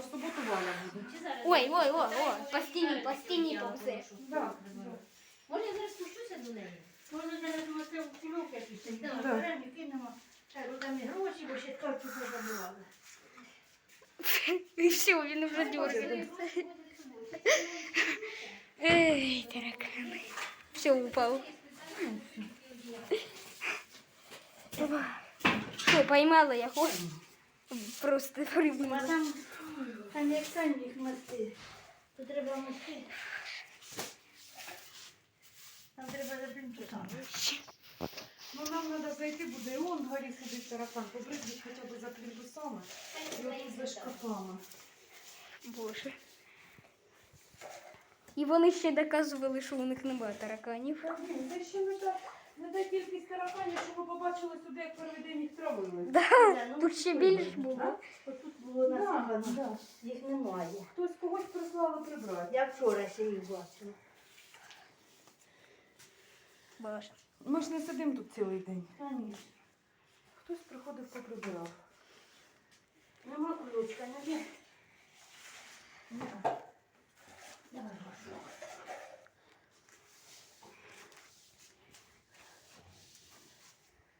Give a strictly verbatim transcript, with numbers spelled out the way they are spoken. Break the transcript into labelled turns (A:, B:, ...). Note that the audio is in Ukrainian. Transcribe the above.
A: суботу Валя буде.
B: Ой, ой, ой, ой, по стіні, по стіні повзе.
A: Да.
C: Може, я зараз спущуся до неї? Може, зараз можете в кульок якийсь.
A: Да.
C: Да. Беремо і кинемо. Так, там і гроші, бо ще торчу позабували.
B: І все, він вже дергає. Ей, таракани. Все, упав. Що, поймала його? Просто
C: А
B: прибула.
C: там, там як там їх мости. То треба мости. Там треба заплінтувати.
A: Ну нам треба зайти, буде і он горі сидить таракан, побризгать хоча б за плінтусами і отут за шкафами.
B: Боже. І вони ще доказували, що у них немає тараканів.
A: Та ні, це ще не та, не та кількість тараканів, що ми побачили сюди, як перший день їх травили.
B: Да, тут ще більше було.
C: Отут було
A: Да,
C: насипано.
A: да.
C: Їх немає.
A: Хтось когось прислали прибрати.
C: Я вчора ще їх бачила.
B: Боже.
A: Ми ж не сидимо тут цілий день.
C: Конечно.
A: Хтось приходив, поприбирав.
C: Нема ключка, не